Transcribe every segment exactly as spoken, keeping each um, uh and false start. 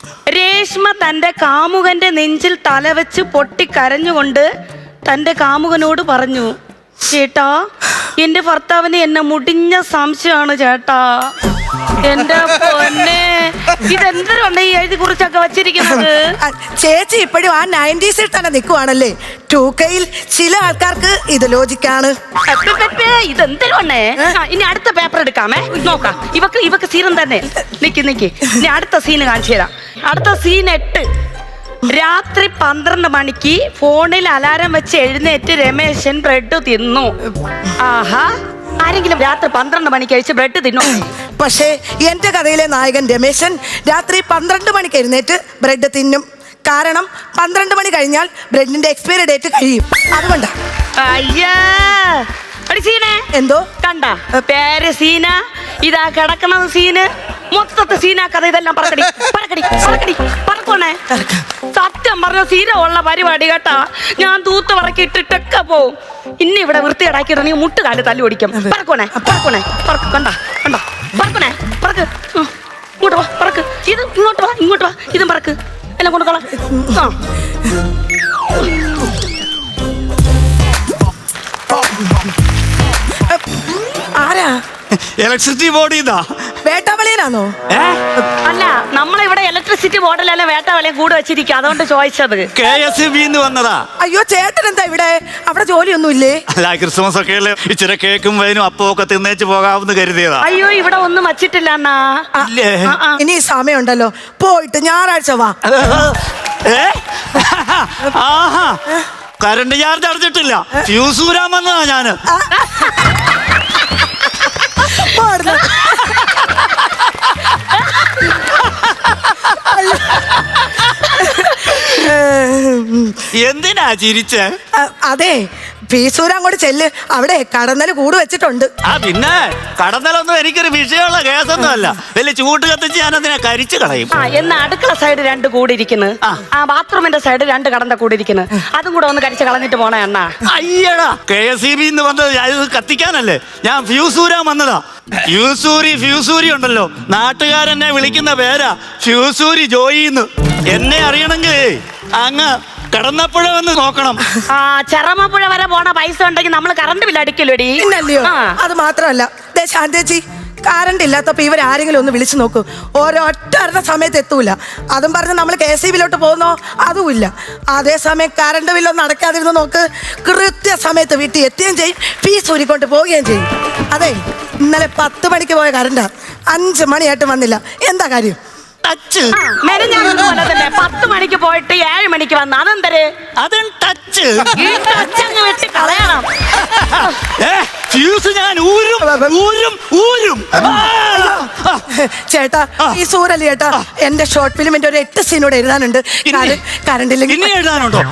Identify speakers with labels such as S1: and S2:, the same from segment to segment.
S1: രേഷ്മ തന്റെ കാമുകന്റെ നെഞ്ചിൽ തലവെച്ച് പൊട്ടിക്കരഞ്ഞുകൊണ്ട് തന്റെ കാമുകനോട് പറഞ്ഞു, ചേട്ടാ എന്റെ ഭർത്താവിന് എന്നെ മുടിഞ്ഞ സംശയമാണ് ചേട്ടാ. എന്റെ പൊന്നെ, ഇതെന്തിനാണ് ഈ എഴുതി കുറിച്ചൊക്കെ വച്ചിരിക്കുന്നത്?
S2: ചേച്ചി ഇപ്പോഴും ആ നയൻറ്റീസിൽ തന്നെ നിൽക്കുവാണല്ലേ. ടൂ കെയിൽ ചില ആൾക്കാർക്ക് ഇത് ലോജിക്കാണ്.
S1: ഇതെന്തിനാണേ? ഇനി അടുത്ത പേപ്പർ എടുക്കാമേ, നോക്കാം. ഇവക്ക് ഇവക്ക് സീനും തന്നെ. നിക്ക് നിക്ക്, ഇനി അടുത്ത സീന് കാണിച്ചു തരാം. അടുത്ത സീൻ എട്ട്. രാത്രി പന്ത്രണ്ട് മണിക്ക് ഫോണിൽ അലാരം വെച്ച് എഴുന്നേറ്റ് രമേശൻ ബ്രെഡ് തിന്നു. ആഹാ, ആരെങ്കിലും രാത്രി പന്ത്രണ്ട് മണിക്ക് കഴിച്ച് ബ്രെഡ് തിന്നു?
S2: പക്ഷേ എന്റെ കഥയിലെ നായകൻ രമേശൻ രാത്രി പന്ത്രണ്ട് മണിക്ക് എഴുന്നേറ്റ് ബ്രെഡ് തിന്നും. കാരണം പന്ത്രണ്ട് മണി കഴിഞ്ഞാൽ ബ്രെഡിന്റെ എക്സ്പയറി ഡേറ്റ് കഴിയും. അതുകൊണ്ടാ.
S1: അയ്യാ സീനെ
S2: എന്തോ
S1: കണ്ട പേര് സീന, ഇതാ കിടക്കണത് സീന്, മൊത്തത്തെ സീനാ കഥ. ഇതെല്ലാം പറക്കടി പറക്കടി പറക്കടി പറക്കണേ. സത്യം പറഞ്ഞ സീന ഉള്ള പരിപാടി കേട്ടാ. ഞാൻ തൂത്ത് പറക്കിയിട്ടിട്ടൊക്കെ പോവും. ഇനി ഇവിടെ വൃത്തികേടാക്കിയിട്ടുണ്ടെങ്കിൽ മുട്ടുകാല് തല്ലി ഓടിക്കും. പറക്കണേ പറക്കണേ പറക്ക്. കണ്ട കണ്ട പറക്കണേ പറക്ക്. ഇങ്ങോട്ട് വാ പറക്ക്. ഇത് ഇങ്ങോട്ട് വാ ഇങ്ങോട്ട് വാ. ഇതും പറക്ക്. എല്ലാം കൊണ്ടുകളാം.
S2: ആരാ?
S3: ഇലക്ട്രിസിറ്റി ബോർഡ് ഇതാ.
S2: വേട്ടാവളിയനാണോ?
S1: അല്ല, നമ്മളിവിടെ ഇലക്ട്രിസിറ്റി ബോർഡിലല്ല വേട്ടാവളിയും കൂടെ വെച്ചിരിക്കുക, അതുകൊണ്ട് ചോദിച്ചത്.
S3: കെ എസ് ബി വന്നതാ.
S2: അയ്യോ, ചേട്ടൻ എന്താ ഇവിടെ? അവിടെ ജോലിയൊന്നും ഇല്ലേ?
S3: അല്ല, ക്രിസ്മസ് ഒക്കെ അല്ലേ, ഇച്ചിരി കേക്കും വൈനും അപ്പം ഒക്കെ തിന്നേച്ച് പോകാമെന്ന് കരുതിയതാ.
S1: അയ്യോ, ഇവിടെ ഒന്നും വച്ചിട്ടില്ല അണ്ണാ.
S2: ഇനി സമയമുണ്ടല്ലോ, പോയിട്ട് ഞായറാഴ്ച വാ.
S3: ആഹാ, കറണ്ട് ചാർജ് അടച്ചിട്ടില്ല, ഫ്യൂസ് ഊരാൻ വന്നതാ ഞാന്. എന്തിനാ ചിരിച്ചേ?
S2: അതെ, ഫീസൂര് അങ്ങോട്ട് ചെല്ല്, അവിടെ കടന്നല് കൂട് വെച്ചിട്ടുണ്ട്.
S3: ആ പിന്നെ കടന്നലൊന്നും എനിക്കൊരു വിഷയമുള്ള കേസൊന്നും അല്ല. വലിയ ചൂട്ട് കത്തിച്ച് ഞാൻ അതിനെ കരിച്ചു കളയും.
S1: ആ, എന്നാ അടുക്കള സൈഡ് രണ്ട് കൂടിയിരിക്കുന്നു, ആ ബാത്റൂമിന്റെ സൈഡ് രണ്ട് കടந்த കൂടിയിരിക്കുന്നു, അതും കൂടെ ഒന്ന് കരിച്ച് കളഞ്ഞിട്ട് പോണേ അണ്ണാ.
S3: അയ്യടാ, കെ എസ് ഇ ബി വന്നത് ഇത് കത്തിക്കാനല്ലേ, ഞാൻ ഫ്യൂസൂരാൻ വന്നതാ. ഫ്യൂസൂരി ഫ്യൂസൂരി ഉണ്ടല്ലോ, നാട്ടുകാരെന്നെ വിളിക്കുന്ന പേരാ ഫ്യൂസൂരി ജോയിന്ന്. എന്നെ അറിയണമെങ്കിൽ അങ്ങ് കടന്നപ്പുഴ വന്ന് നോക്കണം.
S1: ആ, ചെറമപ്പുഴ വരെ പോണ പൈസ ഉണ്ടെങ്കിൽ നമ്മൾ കറണ്ട് ബില്ല് അടിക്കലോടി.
S2: ഇല്ലല്ലയോ? അത് മാത്രമല്ല ശാന്തേച്ചി, കറണ്ട് ഇല്ലാത്തപ്പോ ഇവരാരെങ്കിലും ഒന്ന് വിളിച്ചു നോക്കൂ, ഓരോറ്റ അറിഞ്ഞ സമയത്ത് എത്തൂല. അതും പറഞ്ഞ് നമ്മൾ കെ എസ് ഇ ബിലോട്ട് പോകുന്നോ, അതുമില്ല. അതേസമയം കറണ്ട് ബില്ലൊന്നും അടയ്ക്കാതിരുന്ന് നോക്ക്, കൃത്യ സമയത്ത് വീട്ടിൽ എത്തുകയും ചെയ്യും, ഫീസ് ഊരിക്കൊണ്ട് പോവുകയും ചെയ്യും. അതെ, ഇന്നലെ പത്ത് മണിക്ക് പോയ കറണ്ടാ, അഞ്ച് മണിയായിട്ട് വന്നില്ല. എന്താ കാര്യം?
S3: ടച്ച്
S1: മെനഞ്ഞാന്നതുപോലെ തന്നെ പത്ത് മണിക്ക് പോയിട്ട് ഏഴ് മണിക്ക് വന്ന അതെന്തര്?
S3: അതും ടച്ച്.
S1: ഈ ടച്ച് അങ്ങ് വെട്ടി കളയണം.
S3: ഫ്യൂസ് ഞാൻ ഊരും ഊരും ഊരും.
S2: ചേട്ടാ, ഈ സൂരല് ചേട്ടാ, എന്റെ ഷോർട്ട് ഫിലിമിന്റെ ഒരു എട്ട് സീനോട് എഴുതാനുണ്ട്. കറണ്ടില്ലെങ്കിൽ
S3: എഴുതാനുണ്ടോ?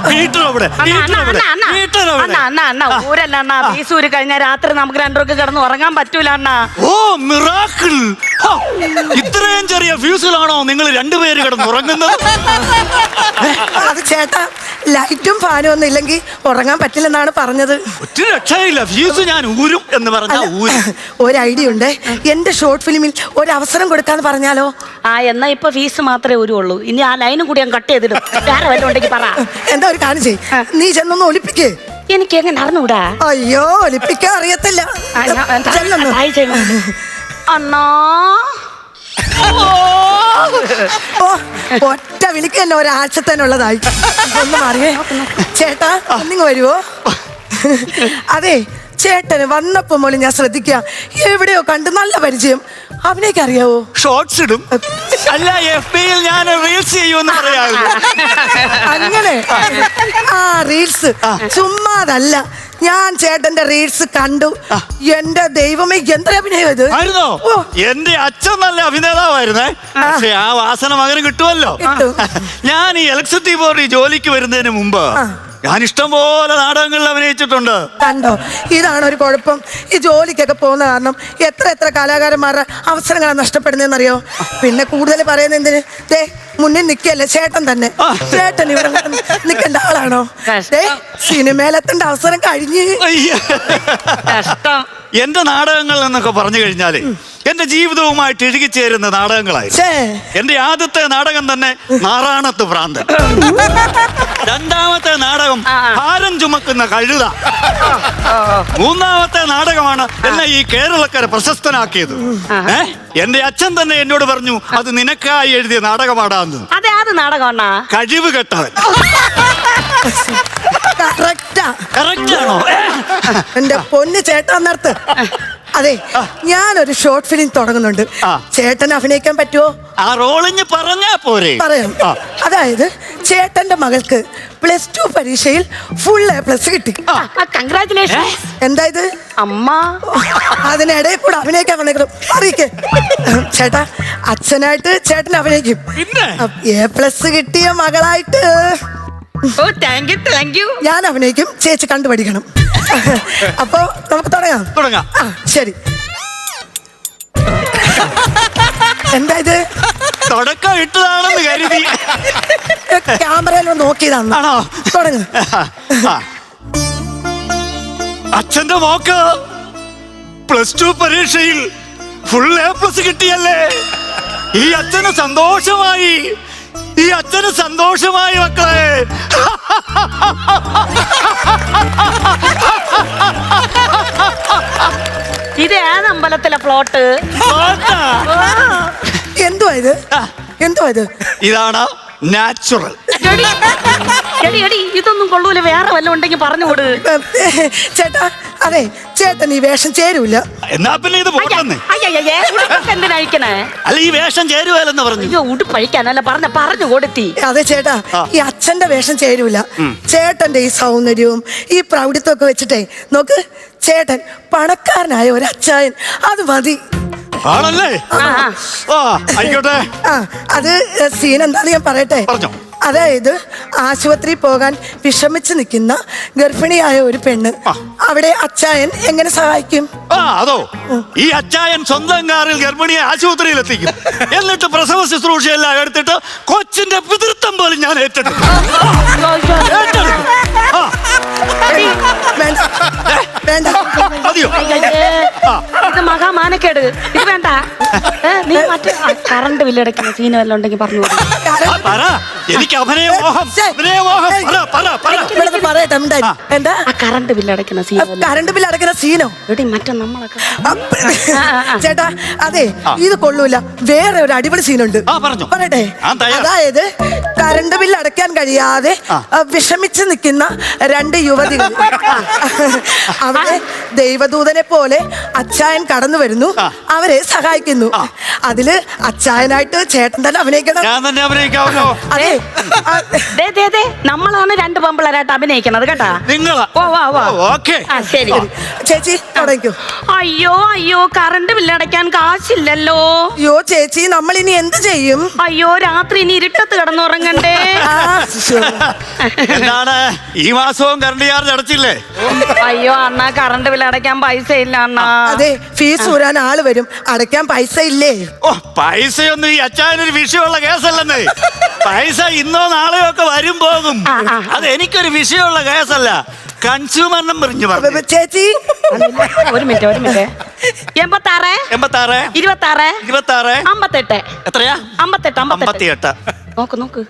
S1: ഊരല്ല അണ്ണാ, ഫീസൂര് കഴിഞ്ഞാൽ രാത്രി നമുക്ക് രണ്ടുപേർക്ക് കിടന്ന് ഉറങ്ങാൻ പറ്റൂല അണ്ണാ.
S3: ഓ മിറാക്കിൾ! ഇത്രയും ചെറിയ ഫ്യൂസിലാണോ നിങ്ങൾ രണ്ടുപേര് കിടന്നുറങ്ങുന്നത്?
S2: അത് ചേട്ടാ, ലൈറ്റും ഫാനും ഒന്നും ഇല്ലെങ്കിൽ ഉറങ്ങാൻ പറ്റില്ലെന്നാണ് പറഞ്ഞത്.
S3: ഒറ്റ രക്ഷയില്ല, ഫ്യൂസ് ഞാൻ ഊരും എന്ന് പറഞ്ഞാൽ ഊരും.
S2: ഒരു ഐഡിയ ഉണ്ട്, എന്റെ ഷോർട്ട് ഫിലിമിൽ ഒരു അവസരം കൊടുക്കാന്ന് പറഞ്ഞാലോ?
S1: ആ, എന്നാ ഇപ്പൊ ഫീസ് മാത്രമേ ഊരുള്ളൂ, ഇനി ആ ലൈനും കൂടി ഞാൻ കട്ട് ചെയ്തിടും. വേറെ വല്ലതും ഉണ്ടെങ്കിൽ പറ.
S2: എന്താ ഒരു കാര്യം ചെയ്യ്, നീ ചെന്നൊന്ന് ഒലിപ്പിക്കേ.
S1: എനിക്ക് എങ്ങനെ അറിഞ്ഞൂടാ?
S2: അയ്യോ, ഒലിപ്പിക്കാൻ അറിയത്തില്ല.
S1: അണ്ണാ,
S2: ഒറ്റ വിളിക്ക് തന്നെ ഒരാഴ്ച തന്നെ ഉള്ളതായി. ഒന്ന് മാറിയേ ചേട്ടാ, ഒന്നിങ്ങ് വരുവോ? അതെ, ചേട്ടന് വന്നപ്പോ മോളി ഞാൻ ശ്രദ്ധിക്കുക, എവിടെയോ കണ്ട് നല്ല പരിചയം. അവനേക്ക് അറിയാവോ?
S3: ഷോർട്സ് ഇടും. അല്ല, എഫ് ബിയിൽ ഞാൻ റീൽസ് ചെയ്യുമെന്ന് പറയാമോ?
S2: അങ്ങനെ ആ റീൽസ് ചുമ്മാതല്ല, ഞാൻ ചേട്ടന്റെ റീൽസ് കണ്ടു. എന്റെ ദൈവമേ, എന്തൊരു അഭിനയം ഇത്!
S3: എന്റെ അച്ഛൻ നല്ല അഭിനേതാവായിരുന്നേ, പക്ഷെ ആ വാസന മകന് കിട്ടുമല്ലോ. ഞാൻ ഈ ഇലക്ട്രിസിറ്റി ബോർഡിൽ ജോലിക്ക് വരുന്നതിന് മുമ്പ് ഞാൻ ഇഷ്ടം പോലെ നാടകങ്ങളിൽ അഭിനയിച്ചിട്ടുണ്ട്.
S2: കണ്ടോ, ഇതാണ് ഒരു കുഴപ്പം. ഈ ജോലിക്കൊക്കെ പോകുന്ന കാരണം എത്ര എത്ര കലാകാരന്മാരുടെ അവസരങ്ങളാണ് നഷ്ടപ്പെടുന്നതെന്നറിയോ? പിന്നെ കൂടുതൽ പറയുന്ന എന്തിന്? ദേ മുന്നിൽ നിൽക്കല്ലേ ചേട്ടൻ തന്നെ. ചേട്ടൻ ഇവിടെ നിൽക്കേണ്ട ആളാണോ? സിനിമയിലെത്തേണ്ട അവസരം കഴിഞ്ഞ്.
S3: എന്റെ നാടകങ്ങൾ എന്നൊക്കെ പറഞ്ഞു കഴിഞ്ഞാല് എന്റെ ജീവിതവുമായിട്ട് ഇഴുകിച്ചേരുന്ന നാടകങ്ങളായി.
S2: ഛേ.
S3: എന്റെ ആദ്യത്തെ നാടകം തന്നെ നാറാണത്ത് ഭ്രാന്തൻ. രണ്ടാമത്തെ നാടകം ഭാരം ചുമക്കുന്ന കഴുത. മൂന്നാമത്തെ നാടകമാണ് എന്നെ ഈ കേരളക്കര പ്രശസ്തനാക്കിയത്. ഏ എന്റെ അച്ഛൻ തന്നെ എന്നോട് പറഞ്ഞു, അത് നിനക്കായി എഴുതിയ നാടകമാടാന്ന്.
S1: അതെ, അത് നാടകമാണ
S3: കഴിവ് കെട്ടവൻ.
S2: കറക്റ്റാ.
S3: കറക്റ്റ് ആണോ?
S2: എന്റെ പൊന്ന് ചേട്ടാ നിർത്ത്. അതെ, ഞാനൊരു ഷോർട്ട് ഫിലിം തുടങ്ങുന്നുണ്ട്.
S3: ആ.
S2: ചേട്ടൻ അഭിനയിക്കാൻ പറ്റുമോ?
S3: ആ റോളിഞ്ഞ് പറഞ്ഞാ പോരെ?
S2: പറയാം.
S3: ആ.
S2: അതായത് ചേട്ടന്റെ മകൾക്ക് പ്ലസ് ടു പരീക്ഷയിൽ ഫുൾ എ പ്ലസ് കിട്ടി.
S1: കൺഗ്രാറ്റുലേഷൻ.
S2: എന്താ ഇത്?
S1: അമ്മ
S2: അതിനിടയിൽ കൂടെ അഭിനയിക്കാൻ വന്നേക്കണം. അറിയിക്കേ ചേട്ടാ, അച്ഛനായിട്ട് ചേട്ടൻ അഭിനയിക്കും.
S3: പിന്നെ
S2: എ പ്ലസ് കിട്ടിയ മകളായിട്ട്
S1: ഓ താങ്ക് യു താങ്ക് യു.
S2: ഞാൻ അഭിനയിക്കും, ചേച്ചി കണ്ടുപഠിക്കണം. അപ്പൊ നമുക്ക് തുടങ്ങാം.
S3: തുടങ്ങാം.
S2: ആ, ശരി. എന്താ ഇത്?
S3: തുടക്കം ഇട്ടതാണെന്ന് കരുതി.
S2: ക്യാമറയിൽ നോക്കിയതാണ്.
S3: ആണോ?
S2: തുടങ്ങ്.
S3: ആ. അച്ഛന്റെ മോക്ക് പ്ലസ് ടു പരീക്ഷയിൽ ഫുൾ എ പ്ലസ് കിട്ടിയല്ലേ? ഈ അച്ഛന് സന്തോഷമായി, ഈ അച്ഛന് സന്തോഷമായി മക്കളെ.
S1: ഇത് ഏത് അമ്പലത്തിലെ ഫ്ലോട്ട്?
S3: ആട്ടാ.
S2: എന്തുവാ ഇത്? എന്തുവാ ഇത്?
S3: ഇതാണ് നാച്ചുറൽ.
S1: എടി, എടി എടി ഇതൊന്നും കൊള്ളൂല, വേറെ വല്ലതും ഉണ്ടെങ്കിൽ പറഞ്ഞുകൊട്.
S2: ചേട്ടാ, അതെ ചേട്ടൻ ഈ വേഷം ചേരൂല.
S3: എന്നാ പിന്നെ ഇത് പോട്ടെന്ന്.
S1: എന്തിനഴിക്കണേ?
S3: അല്ല, ഈ വേഷം ചേരുവല്ലെന്ന് പറഞ്ഞു.
S1: അയ്യോ, ഉടുപ്പഴിക്കാനല്ല പറഞ്ഞ, പറഞ്ഞു കൊടുത്തി.
S2: അതെ ചേട്ടാ,
S3: ആ.
S2: ഈ അച്ഛന്റെ വേഷം ചേരൂല. ചേട്ടന്റെ ഈ സൗന്ദര്യവും ഈ പ്രൗഢിത്വം ഒക്കെ വെച്ചിട്ടേ നോക്ക്, ചേട്ടൻ പണക്കാരനായ ഒരു അച്ചായൻ, അത് മതി.
S3: ആണല്ലേ?
S1: ആ, ആ.
S3: ആ ആയിക്കോട്ടെ.
S2: ആ, അത് സീൻ എന്താന്ന് ഞാൻ പറയട്ടെ.
S3: പറഞ്ഞോ.
S2: അതായത് ആശുപത്രി പോകാൻ വിഷമിച്ച് നിൽക്കുന്ന ഗർഭിണിയായ ഒരു പെണ്ണ്,
S3: ആ.
S2: അവിടെ അച്ചായൻ എങ്ങനെ സഹായിക്കും?
S3: ആ അതോ, ഈ അച്ചായൻ സ്വന്തം കാറിൽ ഗർഭിണിയെ ആശുപത്രിയിൽ എത്തിക്കും. എന്നിട്ട് പ്രസവ ശുശ്രൂഷയെല്ലാം എടുത്തിട്ട് കൊച്ചിന്റെ പിതൃത്വം പോലും ഞാൻ ഏറ്റെടുക്കും. ഏറ്റെടുക്കും. ആ,
S1: എടി,
S2: വേണ്ട വേണ്ട.
S3: മതിയോ?
S1: അയ്യയ്യേ, ഇത് മഹാമാനക്കേട്. ഇത് വേണ്ട. ഏ, നീ മറ്റേ കറണ്ട് ബില്ലടയ്ക്കുന്ന സീന് വല്ലതും ഉണ്ടെങ്കിൽ പറഞ്ഞു കൊടു.
S3: ആ, പറ. എനിക്ക് അഭിനയ മോഹം, അഭിനയ മോഹം. പറ, പറ, പറ.
S2: ഇവിടുന്ന് പറയട്ടെ. എന്താ? എന്താ?
S1: ആ കറണ്ട് ബില്ലടയ്ക്കുന്ന സീൻ വല്ലതും.
S2: കറണ്ട് ബില്ല് അടക്കുന്ന സീനോ?
S1: എടി മറ്റേ നമ്മളൊക്കെ
S2: അപ്പ-
S1: ആ, ആ, ആ.
S2: ചേട്ടാ, അതെ
S3: ആ.
S2: ഇത് കൊള്ളൂല. വേറെ ഒരു അടിപൊളി സീനുണ്ട്.
S3: ആ, പറഞ്ഞോ.
S2: പറയട്ടെ.
S3: ആ, തയ്യാർ.
S2: അതായത് കറണ്ട് ബില്ല് അടയ്ക്കാൻ കഴിയാതെ
S3: ആ.
S2: ആ, വിഷമിച്ച് നിൽക്കുന്ന രണ്ട് യുവതികൾ. അവിടെ ദൈവദൂതനെ പോലെ അച്ചായൻ കടന്നു വരുന്നു,
S3: ആ.
S2: അവരെ സഹായിക്കുന്നു. അതില് അച്ചായനായിട്ട് ചേട്ടൻ തന്നെ അഭിനയിക്കണം.
S3: ഞാൻ തന്നെ അഭിനയിക്കാമല്ലോ.
S2: അതെ. ആ,
S1: ദേ, ദേ, ദേ, നമ്മളാണ് രണ്ട് പെമ്പിളരായിട്ട് അഭിനയിക്കണത് കേട്ടാ.
S3: നിങ്ങളാ?
S1: ഓ, വാ, വാ.
S3: ഓക്കെ.
S1: ആ ശരി.
S2: ചേച്ചി തുടങ്ങിക്കോ.
S1: അയ്യോ അയ്യോ, കറണ്ട് ബില്ലടയ്ക്കാൻ കാശില്ലല്ലോ.
S2: അയ്യോ ചേച്ചി, നമ്മൾ ഇനി എന്ത് ചെയ്യും?
S1: അയ്യോ, രാത്രി ഇനി ഇരുട്ടത്ത് കിടന്നുറങ്ങണ്ടേ.
S2: ആ, ശ്ശോ.
S3: എന്താണ് ഈ മാസവും കറണ്ട് ചാർജ് അടച്ചില്ലേ?
S1: അയ്യോ അണ്ണാ, കറണ്ട് ബില്ല് അടയ്ക്കാൻ പൈസ ഇല്ല അണ്ണാ.
S2: അതെ, ഫീസ് ഊരാൻ ആള് വരും, അടയ്ക്കാൻ പൈസ ഇല്ലേ?
S3: ഓ, പൈസയൊന്നും ഈ അച്ചായനൊരു വിഷയമുള്ള കേസല്ലെന്നേ. പൈസ ഇന്നോ നാളെയോ ഒക്കെ വരും പോകും.
S1: ആ, ആ.
S3: അത് എനിക്കൊരു വിഷയമുള്ള കേസല്ല. കൺസ്യൂമർ നമ്പർ പറഞ്ഞു.
S2: ചേച്ചി
S1: ഒരു മിനിറ്റ് ഒരു മിനിറ്റ് എൺപത്താറ്
S3: എൺപത്തി ആറ്
S1: ഇരുപത്താറ്
S3: ഇരുപത്തി ആറ്
S1: അമ്പത്തെട്ട്.
S3: എത്രയാ?
S1: അമ്പത്തെട്ട്
S3: അമ്പത്തി
S1: അമ്പത്തെട്ട്.
S3: എട്ട്.
S1: നോക്ക് നോക്ക്.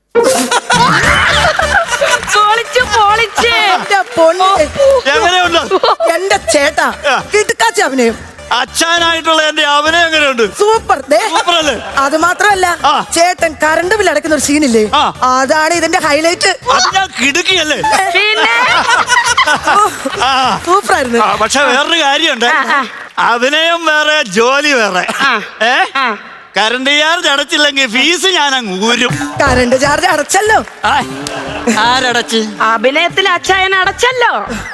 S1: പൊളിച്ച് പൊളിച്ച്.
S2: എന്റെ പൊന്ന്,
S3: എങ്ങനെയുണ്ട്
S2: എന്റെ ചേട്ടാ,
S3: ആ.
S2: കിടുക്കാച്ചി അഭിനയം.
S3: അച്ഛനായിട്ടുള്ള എന്റെ അഭിനയം എങ്ങനെയുണ്ട്?
S2: സൂപ്പർ. ദേ,
S3: സൂപ്പർ അല്ലേ?
S2: അത് മാത്രമല്ല,
S3: ആ.
S2: ചേട്ടൻ കറണ്ട് ബില്ല് അടയ്ക്കുന്ന ഒരു സീനില്ലേ,
S3: ആ.
S2: അതാണ് ഇതിന്റെ ഹൈലൈറ്റ്.
S3: അത് ഞാൻ കിടുക്കിയല്ലേ?
S1: പിന്നെ
S3: ആ.
S2: സൂപ്പർ ആയിരുന്നു.
S3: ആ, പക്ഷെ വേറൊരു കാര്യമുണ്ട്.
S1: ആ, ആ.
S3: അഭിനയം വേറെ, ജോലി വേറെ.
S1: ആ.
S3: ഏ
S1: ആ.
S3: കറണ്ട് ചാർജ് അടച്ചില്ലെങ്കിൽ ഫീസ് ഞാൻ അങ്ങ് ഊരും.
S2: Current charge അടച്ചല്ലോ.
S3: ആയ്. ആരടച്ച്?
S1: അഭിനയത്തിൽ അച്ചായൻ അടച്ചല്ലോ.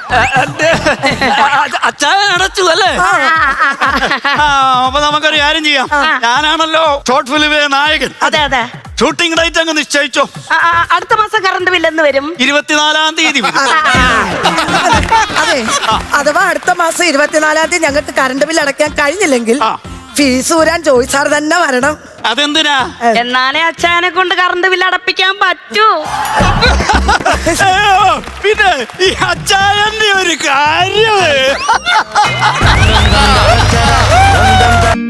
S3: അച്ചായൻ അടച്ചു അല്ലേ?
S2: ആ.
S3: ആ, അപ്പൊ നമുക്കൊരു കാര്യം ചെയ്യാം. ഞാനാണല്ലോ ഷോർട്ട് ഫിലിമിലെ നായകൻ.
S1: അതെ അതെ.
S3: ഷൂട്ടിംഗ് ഡേറ്റ് അങ്ങ് നിശ്ചയിച്ചോ.
S1: ആ, ആ, അടുത്ത മാസം കറണ്ട് ബില്ല് എന്ന് വരും?
S3: ഇരുപത്തിനാലാം തീയതി വരും.
S2: അതെ, അഥവാ അടുത്ത മാസം ഇരുപത്തിനാലാം തീയതി ഞങ്ങൾക്ക് കറണ്ട് ബില്ല് അടയ്ക്കാൻ കഴിഞ്ഞില്ലെങ്കിൽ
S3: ആ.
S2: ഫീസ് ഊരാൻ ജോയി സാർ തന്നെ വരണം.
S3: അതെന്തിനാ?
S1: എന്നാലേ അച്ചായനെ കൊണ്ട് കറണ്ട് ബില്ല് അടപ്പിക്കാൻ പറ്റൂ.
S3: അയ്യോ, പിന്നെ ഈ അച്ചായന്റെ ഒരു കാര്യം